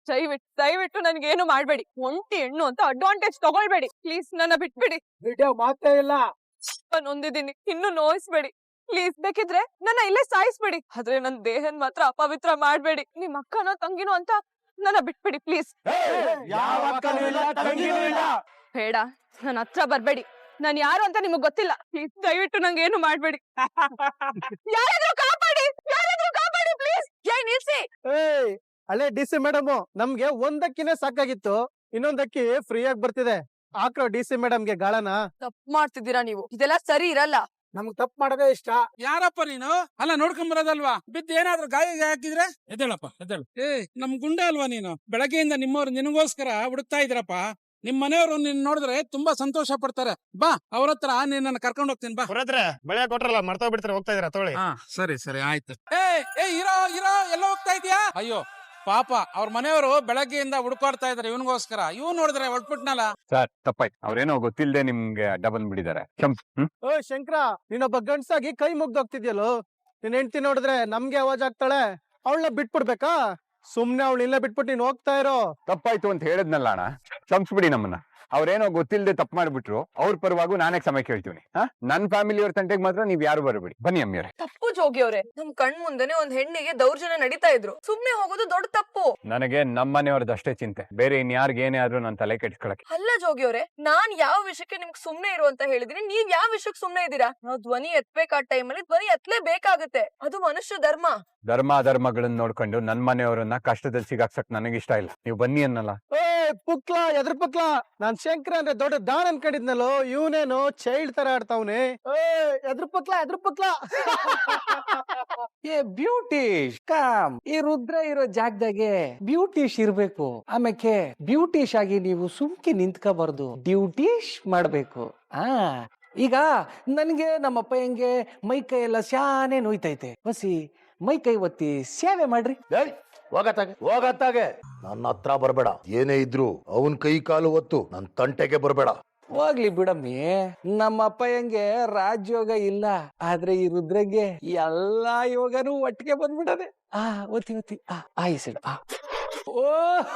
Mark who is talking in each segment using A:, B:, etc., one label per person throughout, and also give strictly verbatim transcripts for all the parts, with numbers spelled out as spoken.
A: ದಯವಿಟ್ಟು ದಯವಿಟ್ಟು ನನ್ಗೇನು ಮಾಡ್ಬೇಡಿ. ಒಂಟಿ ಹೆಣ್ಣು ಅಂತ ಅಡ್ವಾಂಟೇಜ್ ತಗೊಳ್ಬೇಡಿ ಪ್ಲೀಸ್. ನನ್ನ ಬಿಟ್ಬಿಡಿ.
B: ವಿಡಿಯೋ ಮಾತೇ ಇಲ್ಲ.
A: ನೊಂದಿದ್ದೀನಿ, ಇನ್ನು ನೋಯಿಸ್ಬೇಡಿ ಪ್ಲೀಸ್. ಬೇಕಿದ್ರೆ ನನ್ನ ಇಲ್ಲೇ ಸಾಯಿಸ್ಬೇಡಿ, ಆದ್ರೆ ನನ್ ದೇಹನ್ ಮಾತ್ರ ಅಪವಿತ್ರ ಮಾಡ್ಬೇಡಿ. ನಿಮ್ ಅಕ್ಕನೋ ತಂಗಿನೋ ಅಂತ ನನ್ನ ಬಿಟ್ಬಿಡಿ ಪ್ಲೀಸ್. ಬೇಡ, ನನ್ನ ಹತ್ರ ಬರ್ಬೇಡಿ. ನಾನ್ ಯಾರು ಅಂತ ನಿಮಗ್ ಗೊತ್ತಿಲ್ಲ. ಪ್ಲೀಸ್ ದಯವಿಟ್ಟು ನಂಗೆ ಏನು ಮಾಡ್ಬೇಡಿ. ಯಾರಾದ್ರೂ ಕಾಪಾಡಿ, ಯಾರಾದ್ರೂ ಕಾಪಾಡಿ ಪ್ಲೀಸ್. ಏ ನಿಲ್ಸಿ.
B: ಏಯ್ ಹಳೆ ಡಿ ಸಿ ಮೇಡಮ್, ನಮ್ಗೆ ಒಂದಕ್ಕಿನೇ ಸಾಕಾಗಿತ್ತು, ಇನ್ನೊಂದಕ್ಕಿ ಫ್ರೀ ಆಗಿ ಬರ್ತಿದೆ. ಹಾಕ್ರೋ ಡಿ ಸಿ ಮೇಡಮ್ಗೆ ಗಾಳನ.
A: ತಪ್ಪು ಮಾಡ್ತಿದ್ದೀರಾ ನೀವು, ಇದೆಲ್ಲ ಸರಿ ಇರಲ್ಲ.
B: ನಮ್ಗ್ ತಪ್ಪು ಮಾಡೋದೇ ಇಷ್ಟ.
C: ಯಾರಪ್ಪ ನೀನು? ಅಲ್ಲ ನೋಡ್ಕೊಂಡ್ ಬರೋದಲ್ವಾ? ಬಿದ್ದು ಏನಾದ್ರೂ ಗಾಯ ಹಾಕಿದ್ರೆ ಎದ್ದೇಳಪ್ಪ ಎದ್ದೇಳು. ಏ ನಮ್ ಗುಂಡೆ ಅಲ್ವಾ ನೀನು? ಬೆಳಗ್ಗೆಯಿಂದ ನಿಮ್ಮವ್ರು ನಿನಗೋಸ್ಕರ ಹುಡುಕ್ತಾ ಇದ್ರಪ್ಪ. ನಿಮ್ ಮನೆಯವರು ನಿನ್ ನೋಡಿದ್ರೆ ತುಂಬಾ ಸಂತೋಷ ಪಡ್ತಾರೆ. ಬಾ ಅವ್ರ ಹತ್ರ ನಿನ್ನ ಕರ್ಕೊಂಡ್ ಹೋಗ್ತೀನಿ ಬಾ.
D: ಹೊರದ್ರೆ ಬೆಳೆ ಕೊಟ್ರಲ್ಲ ಮರ್ತಾ ಬಿಡ್ತಾರೆ, ಹೋಗ್ತಾ ಇದ್ರ ತೊಳಿ.
C: ಹಾ ಸರಿ ಸರಿ ಆಯ್ತು. ಏ ಏ ಇರೋ ಇರೋ ಎಲ್ಲ ಹೋಗ್ತಾ ಇದೀಯಾ? ಅಯ್ಯೋ ಪಾಪ ಅವ್ರ ಮನೆಯವರು ಬೆಳಗ್ಗೆಯಿಂದ ಹುಡುಕಾಡ್ತಾ ಇದಾರೆ ಇವನಿಗೋಸ್ಕರ. ಇವ್ ನೋಡಿದ್ರೆ ಹೊಟ್ಬಿಟ್ನಲ್ಲ.
E: ಸರ್ ತಪ್ಪಾಯ್ತು, ಅವ್ರೇನೋ ಗೊತ್ತಿಲ್ಲದೆ ನಿಮ್ಗೆ ಅಡ್ಡ ಬಂದ್ಬಿಟ್ಟಿದ್ದಾರೆ.
B: ಓ ಶಂಕರ, ನೀನೊಬ್ಬ ಗಂಡ್ಸಾಗಿ ಕೈ ಮುಗ್ದೋಗ್ತಿದ್ಯಲ್ಲೋ. ನಿನ್ ಹೆಂಡ್ತಿ ನೋಡಿದ್ರೆ ನಮ್ಗೆ ಅವಾಜ್ ಆಗ್ತಾಳೆ, ಅವಳನ್ನ ಬಿಟ್ಬಿಡ್ಬೇಕಾ? ಸುಮ್ನೆ ಅವಳು ಇಲ್ಲ ಬಿಟ್ಬಿಟ್ಟು ನೀನ್ ಹೋಗ್ತಾ ಇರೋ.
E: ತಪ್ಪಾಯ್ತು ಅಂತ ಹೇಳಿದ್ನಲ್ಲ ಅಣ್ಣ, ಕ್ಷಮಿಸ್ಬಿಡಿ ನಮ್ಮನ್ನ. ಅವ್ರೇನೋ ಗೊತ್ತಿಲ್ಲದೆ ತಪ್ಪು ಮಾಡ್ಬಿಟ್ರು, ಅವ್ರ ಪರವಾಗೂ ನಾನೇ ಕ್ಷಮೆ ಕೇಳ್ತೀನಿ. ಹಾ ನನ್ ಫ್ಯಾಮಿಲಿ ಅವ್ರ ತಂಟೆಗೆ ಮಾತ್ರ ನೀವ್ ಯಾರು ಬರಬೇಡಿ. ಬನ್ನಿ ಅಮ್ಮಿಯವ್ರೆ.
A: ತಪ್ಪು ಜೋಗಿ ಅವ್ರೆ, ನಮ್ ಕಣ್ ಮುಂದೆನೆ ಒಂದ್ ಹೆಣ್ಣಿಗೆ ದೌರ್ಜನ್ಯ ನಡೀತಾ ಇದ್ರು, ಸುಮ್ನೆ ಹೋಗೋದು ದೊಡ್ಡ ತಪ್ಪು.
E: ನನಗೆ ನಮ್ಮನೆಯವ್ರದ್ದು ಅಷ್ಟೇ ಚಿಂತೆ, ಬೇರೆ ಇನ್ಯಾರ್ಗ ಏನೇ ಆದ್ರೂ ನನ್ ತಲೆ ಕೆಡ್ಸ್ಕೊಳಕ್ಕೆ.
A: ಅಲ್ಲ ಜೋಗಿ ಅವ್ರೆ, ನಾನ್ ಯಾವ ವಿಷಯಕ್ಕೆ ನಿಮ್ಗೆ ಸುಮ್ನೆ ಇರು ಅಂತ ಹೇಳಿದೀನಿ, ನೀವ್ ಯಾವ ವಿಷಯಕ್ಕೆ ಸುಮ್ನೆ ಇದ್ದೀರಾ? ನಾವ್ ಧ್ವನಿ ಎತ್ಬೇಕಾದ ಟೈಮಲ್ಲಿ ಧ್ವನಿ ಎತ್ಲೇ ಬೇಕಾಗುತ್ತೆ, ಅದು ಮನುಷ್ಯ ಧರ್ಮ.
E: ಧರ್ಮ ಅಧರ್ಮಗಳನ್ನ ನೋಡ್ಕೊಂಡು ನನ್ ಮನೆಯವರನ್ನ ಕಷ್ಟದಲ್ಲಿ ಸಿಗಾಕ್ಸಕ್ ನನಗಿಷ್ಟ ಇಲ್ಲ. ನೀವು ಬನ್ನಿ ಅನ್ನಲ್ಲ.
B: ಏ ಪುಕ್ಲಾ, ಎದ್ರ ಪುಕ್ಲಾ, ನಾನ್ ಶಂಕರ ಅಂದ್ರೆ ದೊಡ್ಡ ದಾನ್ ಅನ್ಕೊಂಡಿದ್ನಲ್ಲೋ, ಇವನೇನೋ ಚೈಲ್ಡ್ ತರ ಆಡ್ತಾವ್ನೆ. ಏ ಎದ್ರ ಪುಕ್ಲಾ, ಎದ್ರ ಪುಕ್ಲಾ.
F: ಏ ಬ್ಯೂಟಿಷ್ ಕಾಮ್, ಈ ರುದ್ರ ಇರೋ ಜಾಗದಾಗೆ ಬ್ಯೂಟಿಷ್ ಇರ್ಬೇಕು. ಆಮೇಲೆ ಬ್ಯೂಟಿಷ್ ಆಗಿ ನೀವು ಸುಮ್ಕೆ ನಿಂತ್ಕೋಬಾರ್ದು, ಡ್ಯೂಟಿಷ್ ಮಾಡ್ಬೇಕು. ಆ ಈಗ ನನ್ಗೆ ನಮ್ಮಪ್ಪ ಹೆಂಗೆ ಮೈ ಕೈ ಎಲ್ಲ ಶಾನೆ ನೋಯ್ತೈತೆ, ಬಸಿ ಮೈ ಕೈ ಒತ್ತಿ ಸೇವೆ ಮಾಡ್ರಿ.
G: ಹೋಗತ್ತಾಗೆ ಹೋಗತ್ತಾಗೆ ನನ್ನ ಹತ್ರ ಬರ್ಬೇಡ. ಏನೇ ಇದ್ರು ಅವನ್ ಕೈ ಕಾಲು ಒತ್ತು ನನ್ ತಂಟೆಗೆ ಬರ್ಬೇಡ.
F: ಹೋಗ್ಲಿ ಬಿಡಮ್ಮಿ, ನಮ್ಮಪ್ಪ ಹೆಂಗೆ ರಾಜಯೋಗ ಇಲ್ಲ, ಆದ್ರೆ ಈ ರುದ್ರಗೆ ಎಲ್ಲಾ ಯೋಗನೂ ಒಟ್ಟಿಗೆ ಬಂದ್ಬಿಡದೆ. ಆ ಒತ್ತಿ ಒತ್ತಿ ಆ ಆಯ್ಸಿಡು. ಆ ಓ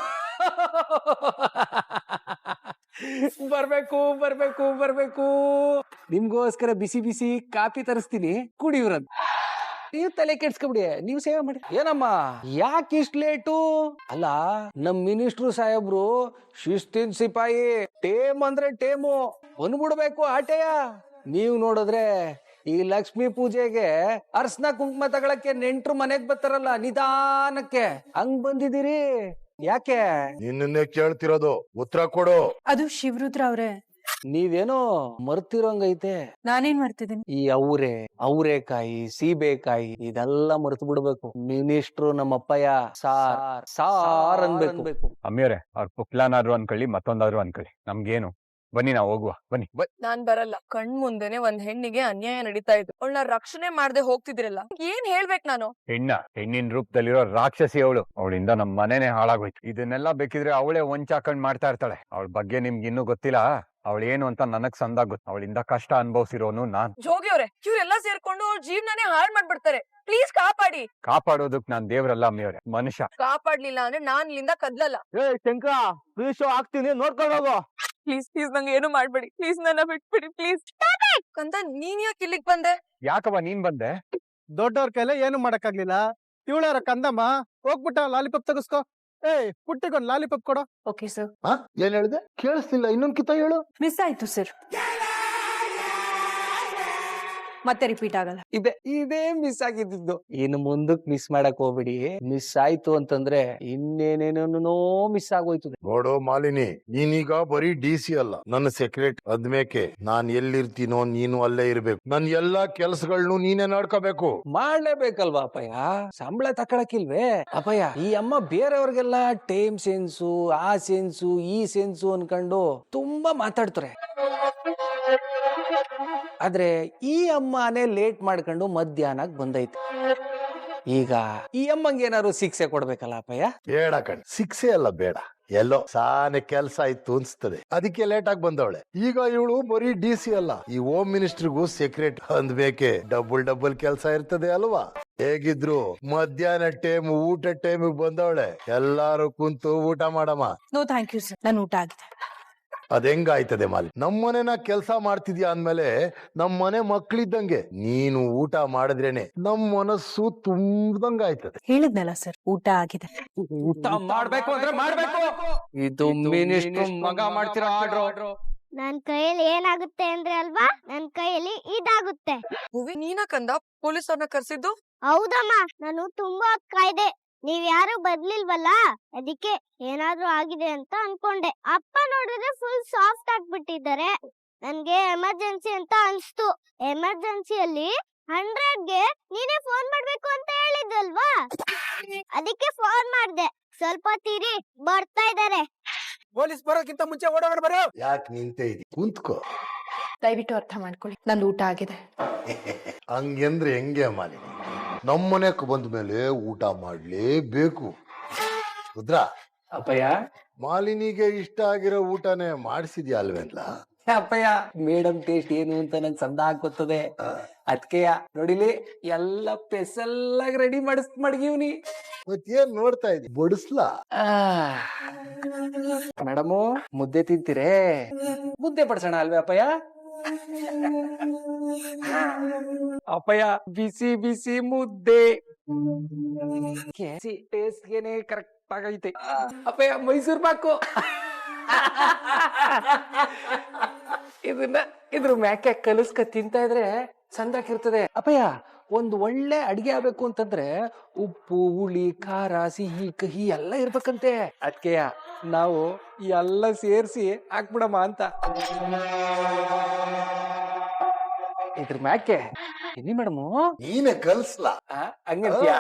F: ಬರ್ಬೇಕು ಬರ್ಬೇಕು ಬರ್ಬೇಕು, ನಿಮ್ಗೋಸ್ಕರ ಬಿಸಿ ಬಿಸಿ ಕಾಫಿ ತರಿಸ್ತೀನಿ, ಕುಡಿಯುವ್ರದ್. ನೀವ್ ತಲೆ ಕೆಡ್ಸ್ಕೊಬಿಡಿ, ನೀವ್ ಸೇವೆ ಮಾಡಿ. ಏನಮ್ಮ ಯಾಕೆ ಇಷ್ಟ ಲೇಟು? ಅಲ್ಲ ನಮ್ ಮಿನಿಸ್ಟ್ರು ಸಾಹೇಬ್ರು ಶಿಸ್ತಿನ ಸಿಪಾಯಿ, ಟೇಮ್ ಅಂದ್ರೆ ಟೇಮು ಬಂದ್ಬಿಡ್ಬೇಕು ಆಟೆಯ. ನೀವ್ ನೋಡಿದ್ರೆ ಈ ಲಕ್ಷ್ಮೀ ಪೂಜೆಗೆ ಅರ್ಶನ ಕುಂಕುಮ ತಗೊಳಕ್ಕೆ ನೆಂಟ್ರು ಮನೆಗ್ ಬರ್ತಾರಲ್ಲ ನಿಧಾನಕ್ಕೆ, ಹಂಗ್ ಬಂದಿದ್ದೀರಿ. ಯಾಕೆ?
G: ನಿನ್ನೇ ಕೇಳ್ತಿರೋದು, ಉತ್ತರ ಕೊಡು.
H: ಅದು ಶಿವರುದ್ರ ಅವ್ರೆ.
F: ನೀವೇನೋ ಮರ್ತಿರೋಂಗೈತೆ.
H: ನಾನೇನ್ ಮಾಡ್ತಿದ್ದೀನಿ?
F: ಈ ಅವರೆ ಅವರೆಕಾಯಿ ಸೀಬೆಕಾಯಿ ಇದೆಲ್ಲ ಮರ್ತು ಬಿಡ್ಬೇಕು. ಮಿನಿಸ್ಟ್ರು ನಮ್ಮಪ್ಪಯ್ಯ ಸಾರ್ ಸಾರ್ ಅನ್ಬೇಕು.
E: ಅಮ್ಮಿಯವ್ರೆ, ಅವ್ರ ಪುಕ್ಲಾನಾದ್ರು ಅನ್ಕೊಳ್ಳಿ, ಮತ್ತೊಂದಾದ್ರು ಅನ್ಕೊಳ್ಳಿ, ನಮ್ಗೇನು. ಬನ್ನಿ ನಾವು ಹೋಗುವ, ಬನ್ನಿ.
A: ನಾನ್ ಬರಲ್ಲ. ಕಣ್ ಮುಂದೆನೆ ಒಂದ್ ಹೆಣ್ಣಿಗೆ ಅನ್ಯಾಯ ನಡೀತಾ ಇತ್ತು, ಅವಳನ್ನ ರಕ್ಷಣೆ ಮಾಡದೆ ಹೋಗ್ತಿದ್ರಲ್ಲ, ಏನ್ ಹೇಳ್ಬೇಕು ನಾನು?
E: ಹೆಣ್ಣ ಹೆಣ್ಣಿನ ರೂಪದಲ್ಲಿರೋ ರಾಕ್ಷಸಿ ಅವಳು, ಅವಳಿಂದ ನಮ್ ಮನೆನೆ ಹಾಳಾಗೋಯ್ತು. ಇದನ್ನೆಲ್ಲ ಬೇಕಿದ್ರೆ ಅವಳೇ ಒಂಚಾಕೊಂಡ್ ಮಾಡ್ತಾ ಇರ್ತಾಳೆ. ಅವಳ ಬಗ್ಗೆ ನಿಮ್ಗೆ ಇನ್ನೂ ಗೊತ್ತಿಲ್ಲ, ಅವಳೇನು ಅಂತ ನನಗ್ ಸಂದಾಗ ಗೊತ್ತು. ಅವಳಿಂದ ಕಷ್ಟ ಅನುಭವಿಸಿರೋನು ನಾನ್.
A: ಜೋಗಿ ಅವ್ರೆ, ಇವ್ರೆಲ್ಲ ಸೇರ್ಕೊಂಡು ಜೀವನನೇ ಹಾಳ್ ಮಾಡ್ಬಿಡ್ತಾರೆ, ಪ್ಲೀಸ್ ಕಾಪಾಡಿ.
E: ಕಾಪಾಡೋದಕ್ ನಾನ್ ದೇವ್ರಲ್ಲ ಅಮ್ಮಿಯವ್ರೆ, ಮನುಷ್ಯ.
A: ಕಾಪಾಡ್ಲಿಲ್ಲ ಅಂದ್ರೆ ನಾನ್ ಇಲ್ಲಿಂದ ಕದ್ಲಲ್ಲ.
B: ಏ ಶಂಕರ, ಫ್ರೀ ಶೋ ಆಗ್ತೀನಿ, ನೋಡ್ಕೊಂಡು ಹೋಗೋ.
A: ಪ್ಲೀಸ್ ಪ್ಲೀಸ್ ನಂಗೆ ಏನು ಮಾಡ್ಬೇಡಿ ಪ್ಲೀಸ್, ನನ್ನ ಬಿಟ್ಬಿಡಿ ಪ್ಲೀಸ್. ಕಂದ ನೀನ್ ಯಾಕೆ ಇಲ್ಲಿಗ್ ಬಂದೆ?
E: ಯಾಕವ್ವ ನೀನ್ ಬಂದೆ?
B: ದೊಡ್ಡವ್ರ ಕೈಲೇ ಏನು ಮಾಡಕ್ಕಾಗ್ಲಿಲ್ಲ. ಇವಳಾರ ಕಂದಮ್ಮ, ಹೋಗ್ಬಿಟ್ಟ ಲಾಲಿಪಾಪ್ ತಗಸ್ಕೋ. ಏಯ್ ಪುಟ್ಟಿಗೊಂದ್ ಲಾಲಿಪಾಪ್ ಕೊಡೋ.
H: Okay sir.
G: ಏನ್ ಹೇಳಿದೆ? ಕೇಳಿಸ್ಲಿಲ್ಲ, ಇನ್ನೊಂದ್ ಕಿತ್ತ ಹೇಳು.
H: ಮಿಸ್ ಆಯ್ತು ಸರ್, ಮತ್ತೆ ರಿಪೀಟ್ ಆಗಲ್ಲ.
F: ಇದೆ ಇದೇ ಮಿಸ್ ಆಗಿದ್ದು. ಇನ್ನು ಮುಂದಕ್ ಮಿಸ್ ಮಾಡಕ್ ಹೋಗ್ಬಿಡಿ. ಮಿಸ್ ಆಯ್ತು ಅಂತಂದ್ರೆ ಇನ್ನೇನೇನೋ ಮಿಸ್ ಆಗೋಯ್ತದೆ.
G: ನೋಡು ಮಾಲಿನಿ, ನೀನೀಗ ಬರೀ ಡಿ ಸಿ ಅಲ್ಲ, ನನ್ನ ಸೆಕ್ರೆಟರಿ. ಅದ್ಮೇಕೆ ನಾನ್ ಎಲ್ಲಿರ್ತೀನೋ ನೀನು ಅಲ್ಲೇ ಇರ್ಬೇಕು. ನನ್ ಎಲ್ಲಾ ಕೆಲ್ಸಗಳ್ನು ನೀನೇ ನೋಡ್ಕೋಬೇಕು.
F: ಮಾಡ್ಲೇಬೇಕಲ್ವಾ ಅಪ್ಪಯ್ಯ, ಸಂಬಳ ತಕೊಳಕಿಲ್ವೇ? ಅಪ್ಪಯ್ಯ, ಈ ಅಮ್ಮ ಬೇರೆಯವ್ರಿಗೆಲ್ಲ ಟೈಮ್ ಸೆನ್ಸು ಆ ಸೆನ್ಸು ಈ ಸೆನ್ಸು ಅನ್ಕೊಂಡು ತುಂಬಾ ಮಾತಾಡ್ತಾರೆ. ಆದ್ರೆ ಈ ಅಮ್ಮನೇ ಲೇಟ್ ಮಾಡ್ಕೊಂಡು ಮಧ್ಯಾಹ್ನಕ್ ಬಂದೈತೆ. ಈಗ ಈ ಅಮ್ಮಂಗೆ ಏನಾದ್ರು ಶಿಕ್ಷೆ ಕೊಡ್ಬೇಕಲ್ಲ ಅಪ್ಪಯ್ಯ?
G: ಬೇಡ ಕಣ್, ಶಿಕ್ಷೆ ಅಲ್ಲ ಬೇಡ, ಎಲ್ಲೋ ಸಾನೆ ಕೆಲ್ಸ ಇತ್ತು ಅನ್ಸ್ತದೆ, ಅದಕ್ಕೆ ಲೇಟ್ ಆಗಿ ಬಂದವಳೆ. ಈಗ ಇವಳು ಬರೀ ಡಿ ಸಿ ಅಲ್ಲ, ಈ ಹೋಮ್ ಮಿನಿಸ್ಟರ್ಗೂ ಸೆಕ್ರೆಟರಿ ಅಂದ್ಬೇಕೆ ಡಬಲ್ ಡಬಲ್ ಕೆಲ್ಸ ಇರ್ತದೆ ಅಲ್ವಾ? ಹೇಗಿದ್ರು ಮಧ್ಯಾಹ್ನ ಟೈಮ್ ಊಟ ಟೈಮಿಗೆ ಬಂದವಳೆ. ಎಲ್ಲಾರು ಕುಂತು ಊಟ ಮಾಡಮ್ಮ.
H: ನೋ ಥ್ಯಾಂಕ್ ಯು ಸರ್, ನನ್ನ ಊಟ ಆಗಿದೆ.
G: ಅದ್ ಹೆಂಗಾಯ್ತದೆ ಮಾಲಿ? ನಮ್ಮನೆನ ಕೆಲ್ಸ ಮಾಡ್ತಿದ್ಯಾ ಅಂದ್ಮೇಲೆ ನಮ್ಮನೆ ಮಕ್ಳಿದ್ದಂಗೆ ನೀನು ಊಟ ಮಾಡಿದ್ರೇನೆ ನಮ್ ಮನಸ್ಸು ತುಂಬ್ದಂಗ ಆಯ್ತದೆ.
H: ಹೇಳಿದ್ನಲ್ಲ ಸರ್, ಊಟ ಆಗಿದೆ.
F: ಊಟ ಮಾಡ್ಬೇಕು ಅಂದ್ರೆ ಮಾಡ್ಬೇಕು. ಇದು ಮಿನಿಸ್ಟರ್ ಮಗ ಮಾಡ್ತಿರೋ ಆರ್ಡ್ರು.
I: ನನ್ ಕೈಯಲ್ಲಿ ಏನಾಗುತ್ತೆ ಅಂದ್ರೆ ಅಲ್ವಾ, ನನ್ ಕೈಯಲ್ಲಿ ಇದಾಗುತ್ತೆ.
A: ನೀನ ಕಂದ ಪೊಲೀಸ್ ಅವ್ರನ್ನ ಕರ್ಸಿದ್ದು?
I: ಹೌದಮ್ಮ, ನಾನು ತುಂಬಾ ಹೊತ್ತು ಕಾಯ್ದೆ. ನೀವ್ ಯಾರು ಬರ್ಲಿಲ್ವಲ್ಲ, ಅದಕ್ಕೆ ಏನಾದ್ರೂ ಆಗಿದೆ ಅಂತ ಅನ್ಕೊಂಡೆ. ಅಪ್ಪ ನೋಡಿದ್ರೆ ಫುಲ್ ಸಾಫ್ಟ್ ಆಗ್ಬಿಟ್ಟಿದ್ದಾರೆ. ನನ್ಗೆ ಎಮರ್ಜೆನ್ಸಿ ಅಂತ ಅನ್ಸ್ತು. ಎಮರ್ಜೆನ್ಸಿಯಲ್ಲಿ ಹಂಡ್ರೆಡ್ಗೆ ನೀನೇ ಫೋನ್ ಮಾಡ್ಬೇಕು ಅಂತ ಹೇಳಿದ್ವಲ್ವಾ, ಅದಕ್ಕೆ ಫೋನ್ ಮಾಡ್ದೆ. ಸ್ವಲ್ಪ ತೀರಿ ಬರ್ತಾ ಇದಾರೆ.
C: ಪೊಲೀಸ್ ಬರೋಕ್ಕಿಂತ ಮುಂಚೆ ಓಡೋಣ ಬರೋ.
G: ಯಾಕೆ ನಿಂತೆ ಇದಿ? ಕುಂತ್ಕೋ.
H: ದಯವಿಟ್ಟು ಅರ್ಥ ಮಾಡ್ಕೊಳ್ಳಿ, ನಂದು ಊಟ ಆಗಿದೆ.
G: ಹಂಗೆಂದ್ರೆ ಹೆಂಗೆ ಮಾಲಿನಿ? ನಮ್ಮನೆಕ್ ಬಂದ ಮೇಲೆ ಊಟ ಮಾಡ್ಲೇಬೇಕು. ರುದ್ರಾ,
F: ಅಪ್ಪಯ್ಯ
G: ಮಾಲಿನಿಗೆ ಇಷ್ಟ ಆಗಿರೋ ಊಟನೇ ಮಾಡಿಸಿದ್ಯಾ ಅಲ್ವೇನ್ಲ?
F: ಅಪ್ಪಯ್ಯ, ಮೇಡಮ್ ಟೇಸ್ಟ್ ಏನು ಅಂತ ನಂಗೆ ಸಂದ ಗೊತ್ತದೆ. ಅದ್ಕೆಯ ನೋಡಿಲಿ ಎಲ್ಲ ಸ್ಪೆಷಲ್ ರೆಡಿ ಮಾಡಿಸ್ ಮಡಗಿವ್ನಿ.
G: ಮತ್ತೇನ್ ನೋಡ್ತಾ ಇದ್ದಿ? ಬಡಿಸ್ಲಾ?
F: ಮೇಡಮು ಮುದ್ದೆ ತಿಂತೀರೇ? ಮುದ್ದೆ ಬಡ್ಸೋಣ ಅಲ್ವೇ ಅಪ್ಪಯ್ಯ? ಅಪ್ಪಯ್ಯ ಬಿಸಿ ಬಿಸಿ ಮುದ್ದೆ ಟೇಸ್ಟ್ಗೆನೆ ಕರೆಕ್ಟ್ ಆಗೈತೆ. ಅಪ್ಪಯ್ಯ ಮೈಸೂರ್ ಪಾಕು. ಇದನ್ನ ಇದ್ರ ಮ್ಯಾಕೆ ಕಲಸ್ಕ ತಿಂತಾ ಇದ್ರೆ ಚಂದಾಗಿರ್ತದೆ. ಅಪ್ಪಯ್ಯ, ಒಂದ್ ಒಳ್ಳೆ ಅಡಿಗೆ ಆಗ್ಬೇಕು ಅಂತಂದ್ರೆ ಉಪ್ಪು, ಹುಳಿ, ಖಾರ, ಸಿಹಿ, ಕಹಿ ಎಲ್ಲ ಇರ್ಬೇಕಂತೆ. ಅದ್ಕೆಯ ನಾವು ಎಲ್ಲ ಸೇರ್ಸಿ ಹಾಕ್ಬಿಡಮ್ಮ ಅಂತ. ಇದ್ರ ಮ್ಯಾಕೆ ಎಲ್ಲಿ ಮೇಡಮು?
G: ನೀನೆ ಕಲ್ಸ್ಲಾ?
F: ಹಂಗಂತೀಯ?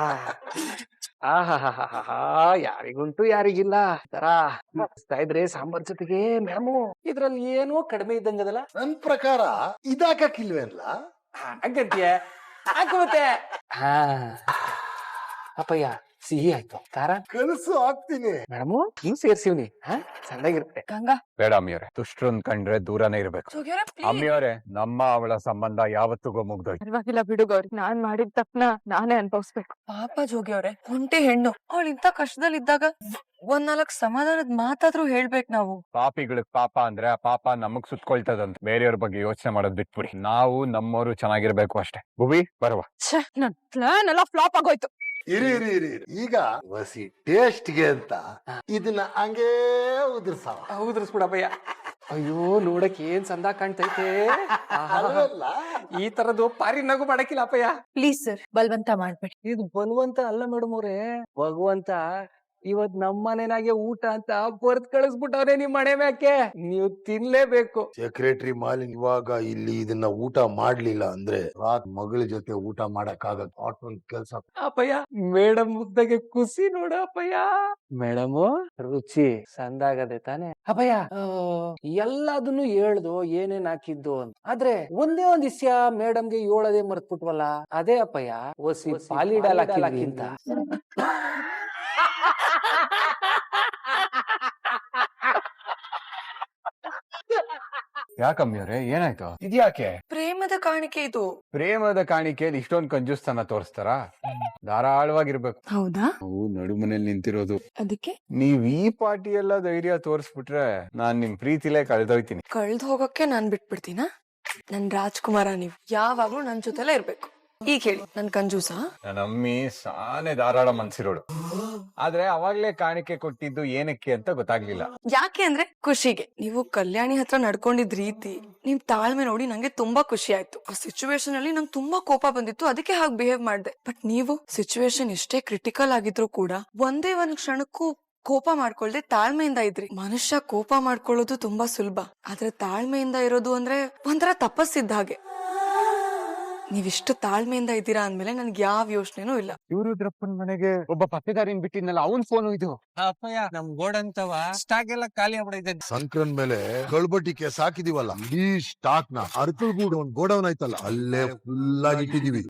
F: ಆಹಾ, ಯಾರಿಗುಂಟು ಯಾರಿಗಿಲ್ಲ ತರ ಇದ್ರೆ ಸಾಂಬಾರ್ ಜೊತೆಗೆ ಮೇಡಮು ಇದ್ರಲ್ಲಿ ಏನೋ ಕಡಿಮೆ ಇದ್ದಂಗದಲ್ಲ.
G: ನನ್ ಪ್ರಕಾರ ಇದಾಕಿಲ್ವೇನ್ಲ?
F: ಹಂಗಂತೀಯ? ಹಾಕುತ್ತೆ. ಹಾ ಅಪ್ಪಯ್ಯ, ಸಿಹಿ ಆಯ್ತು, ಖಾರ
G: ಕಲ್ಸು ಹಾಕ್ತೀನಿ.
F: ಮೇಡಮು ನೀವು ಸೇರ್ಸಿವ್ನಿ. ಹಾ ಚೆನ್ನಾಗಿರುತ್ತೆ.
A: ಗಂಗಾ,
E: ಬೇಡ ಅಮ್ಮಿಯವರೇ, ದುಷ್ಟ್ರನ್ ಕಂಡ್ರೆ ದೂರನೇ ಇರ್ಬೇಕು. ಅಮ್ಮಿಯವರೇ, ನಮ್ಮ ಅವಳ ಸಂಬಂಧ ಯಾವತ್ತಿಗೂ ಮುಗ್ದೋಯ್ತು.
A: ಪರವಾಗಿಲ್ಲ ಬಿಡು ಗೌರಿ, ನಾನ್ ಮಾಡಿದ ತಪ್ಪನ ನಾನೇ ಅನ್ಭವಿಸ್ಬೇಕು. ಪಾಪ ಜೋಗಿ ಅವ್ರೆ, ಒಂಟಿ ಹೆಣ್ಣು, ಅವಳು ಇಂತ ಕಷ್ಟದಲ್ಲಿ ಇದ್ದಾಗ ಒಂದ್ ನಾಲ್ಕ್ ಸಮಾಧಾನದ ಮಾತಾದ್ರೂ ಹೇಳ್ಬೇಕು ನಾವು.
E: ಪಾಪಿಗಳಿಗೆ ಪಾಪ ಅಂದ್ರೆ ಆ ಪಾಪ ನಮಗ್ ಸುತ್ಕೊಳ್ತದಂತ. ಬೇರೆಯವ್ರ ಬಗ್ಗೆ ಯೋಚನೆ ಮಾಡೋದ್ ಬಿಟ್ಬಿಡಿ. ನಾವು ನಮ್ಮವರು ಚೆನ್ನಾಗಿರ್ಬೇಕು ಅಷ್ಟೇ. ಭುವಿ ಬರುವ.
A: ಛೇ, ನನ್ ಪ್ಲಾನ್ ಎಲ್ಲ ಫ್ಲಾಪ್ ಆಗೋಯ್ತು.
G: ಇರಿ ಇರಿ ಇರಿ ಇರಿ. ಈಗ ವಸಿ ಟೇಸ್ಟ್ಗೆ ಅಂತ ಇದನ್ನ ಹಂಗೇ ಉದುರ್ಸಾವ.
F: ಉದುರಿಸ್ಬಿಡಪ್ಪಯ್ಯ. ಅಯ್ಯೋ, ನೋಡಕ್ ಏನ್ ಚಂದ ಕಾಣ್ತೈತೆ.
G: ಅಲ್ವಲ್ಲ?
F: ಈ ತರದ್ದು ಪಾರಿ ನಗು ಮಾಡಕ್ಕಿಲ್ಲ ಅಪ್ಪಯ್ಯ.
H: ಪ್ಲೀಸ್ ಸರ್, ಬಲ್ವಂತ ಮಾಡ್ಬೇಡಿ.
F: ಇದು ಬಲವಂತ ಅಲ್ಲ ಮೇಡಮ್ ಅವ್ರೆ, ಭಗವಂತ ಇವತ್ ನಮ್ಮನೆನಾಗೆ ಊಟ ಅಂತ ಬರ್ತ್ ಕಳಿಸ್ಬಿಟ್ಟವ್ರೆ ನಿಮ್ ಮನೆ ಮ್ಯಾಕೆ. ನೀವು ತಿನ್ಲೇಬೇಕು.
G: ಸೆಕ್ರೆಟರಿ ಮಾಲಿನ್ ಇವಾಗ ಇಲ್ಲಿ ಇದನ್ನ ಊಟ ಮಾಡ್ಲಿಲ್ಲ ಅಂದ್ರೆ ರಾತ್ ಮಗಳ ಜೊತೆ ಊಟ ಮಾಡಕ್ ಆಗಲ್ಲ. ಆಟೋನ್ ಕೆಲ್ಸ.
F: ಅಪ್ಪಯ್ಯ, ಮೇಡಮ್ ಮುದ್ದಾಗೆ ಖುಷಿ ನೋಡ ಅಪ್ಪಯ್ಯ. ಮೇಡಮ್ ರುಚಿ ಸಂದಾಗದೆ ತಾನೆ ಅಪ್ಪಯ್ಯ? ಎಲ್ಲದನ್ನು ಹೇಳ್ದು ಏನೇನ್ ಹಾಕಿದ್ದು ಅಂತ. ಆದ್ರೆ ಒಂದೇ ಒಂದ್ ವಿಷಯ ಮೇಡಮ್ಗೆ ಹೇಳೋದೇ ಮರ್ತ್ಬಿಟ್ವಲ್ಲ. ಅದೇ ಅಪ್ಪಯ್ಯ, ಒಸಿ ಪಾಲಿಡಾಲ್ ಹಾಕಿಲ್ಲ.
E: ಯಾಕಮ್ಮಿಯವರೇ, ಏನಾಯ್ತು? ಇದ್ಯಾಕೆ?
A: ಪ್ರೇಮದ ಕಾಣಿಕೆ ಇದು.
E: ಪ್ರೇಮದ ಕಾಣಿಕೆಯಲ್ಲಿ ಇಷ್ಟೊಂದ್ ಕಂಜೂಸ್ತನ ತೋರಿಸ್ತಾರ? ಧಾರಾಳವಾಗಿರ್ಬೇಕು.
A: ಹೌದಾ?
E: ನಾವು ನಡುಮನೇಲಿ ನಿಂತಿರೋದು.
A: ಅದಕ್ಕೆ
E: ನೀವ್ ಈ ಪಾರ್ಟಿ ಎಲ್ಲ ಧೈರ್ಯ ತೋರಿಸ್ಬಿಟ್ರೆ ನಾನ್ ನಿಮ್ ಪ್ರೀತಿಲೇ ಕಳ್ದೋಯ್ತೀನಿ.
A: ಕಳ್ದ್ ಹೋಗಕ್ಕೆ ನಾನ್ ಬಿಟ್ಬಿಡ್ತೀನ? ನನ್ ರಾಜ್ಕುಮಾರ ನೀವ್ ಯಾವಾಗ್ಲೂ ನನ್ ಜೊತೆಲೇ ಇರ್ಬೇಕು. ಈಗ ಹೇಳಿ, ನನ್ ಕಂಜೂಸ?
E: ನನ್ನ ಅಮ್ಮಿ ಸಾನೆ ಧಾರಾಳ ಮನ್ಸಿರೋಳು. ಆದ್ರೆ ಅವಾಗ್ಲೇ ಕಾಣಿಕೆ ಕೊಟ್ಟಿದ್ದು ಏನಕ್ಕೆ ಅಂತ ಗೊತ್ತಾಗ್ಲಿಲ್ಲ.
A: ಯಾಕೆ ಅಂದ್ರೆ ಖುಷಿಗೆ. ನೀವು ಕಲ್ಯಾಣಿ ಹತ್ರ ನಡ್ಕೊಂಡಿದ್ ರೀತಿ, ನಿಮ್ ತಾಳ್ಮೆ ನೋಡಿ ನಂಗೆ ತುಂಬಾ ಖುಷಿ ಆಯ್ತು. ಆ ಸಿಚುವೇಶನ್ ಅಲ್ಲಿ ನಂಗೆ ತುಂಬಾ ಕೋಪ ಬಂದಿತ್ತು, ಅದಕ್ಕೆ ಹಾಗೆ ಬಿಹೇವ್ ಮಾಡ್ದೆ. ಬಟ್ ನೀವು ಸಿಚುವೇಶನ್ ಎಷ್ಟೇ ಕ್ರಿಟಿಕಲ್ ಆಗಿದ್ರು ಕೂಡ ಒಂದೇ ಒಂದ್ ಕ್ಷಣಕ್ಕೂ ಕೋಪ ಮಾಡ್ಕೊಳ್ದೆ ತಾಳ್ಮೆಯಿಂದ ಇದ್ರಿ. ಮನುಷ್ಯ ಕೋಪ ಮಾಡ್ಕೊಳ್ಳೋದು ತುಂಬಾ ಸುಲಭ, ಆದ್ರೆ ತಾಳ್ಮೆಯಿಂದ ಇರೋದು ಅಂದ್ರೆ ಒಂಥರ ತಪಸ್ಸಿದ್ದ ಹಾಗೆ. ನೀವಿಷ್ಟು ತಾಳ್ಮೆಯಿಂದ ಇದ್ದೀರಾ ಅಂದ್ಮೇಲೆ ನನ್ಗೆ ಯಾವ ಯೋಚನೆನೂ ಇಲ್ಲ.
E: ಇವ್ರು ರುದ್ರಪ್ಪನ್ ಮನೆಗೆ ಒಬ್ಬ ಪತ್ತೆದಾರಿನ್ ಬಿಟ್ಟಿದ್ನಲ್ಲ, ಅವನ್ ಫೋನು ಇದು.
C: ಅಪ್ಪಯ್ಯ, ನಮ್ ಗೋಡಂತವ ಸ್ಟಾಕ್ ಎಲ್ಲ ಖಾಲಿ ಆಗ್ಬಿಡೈತೆ.
G: ಸಂಕ್ರನ್ ಮೇಲೆ ಕಳ್ಬಟ್ಟಿಗೆ ಸಾಕಿದೀವಲ್ಲ, ಈ ಸ್ಟಾಕ್ ನ ಅರ್ಕಲ್ಗೂಡ್ ಒಂದ್ ಗೋಡೌನ್ ಆಯ್ತಲ್ಲ, ಅಲ್ಲೇ ಫುಲ್ ಆಗಿ ಇಟ್ಟಿದೀವಿ.